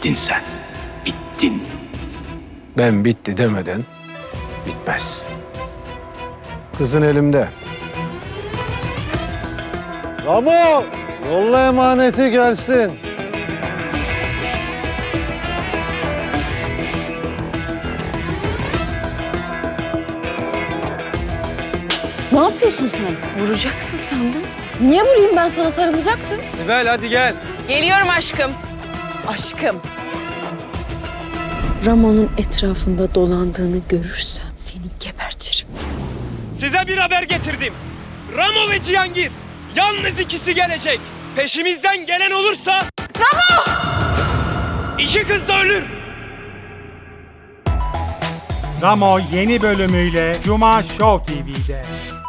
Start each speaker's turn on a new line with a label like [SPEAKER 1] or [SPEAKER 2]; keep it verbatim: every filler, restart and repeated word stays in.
[SPEAKER 1] bittin sen. Bittin.
[SPEAKER 2] Ben bitti demeden bitmez. Kızın elimde.
[SPEAKER 3] Ramo, yolla emaneti gelsin.
[SPEAKER 4] Ne yapıyorsun sen?
[SPEAKER 5] Vuracaksın sandım.
[SPEAKER 4] Niye vurayım, ben sana sarılacaktım.
[SPEAKER 3] Sibel hadi gel.
[SPEAKER 5] Geliyorum aşkım.
[SPEAKER 4] Aşkım.
[SPEAKER 5] Ramon'un etrafında dolandığını görürsem seni gebertirim.
[SPEAKER 6] Size bir haber getirdim. Ramo ve Cihangir. Yalnız ikisi gelecek. Peşimizden gelen olursa... Ramo! İki kız da ölür.
[SPEAKER 7] Ramo yeni bölümüyle Cuma Show T V'de.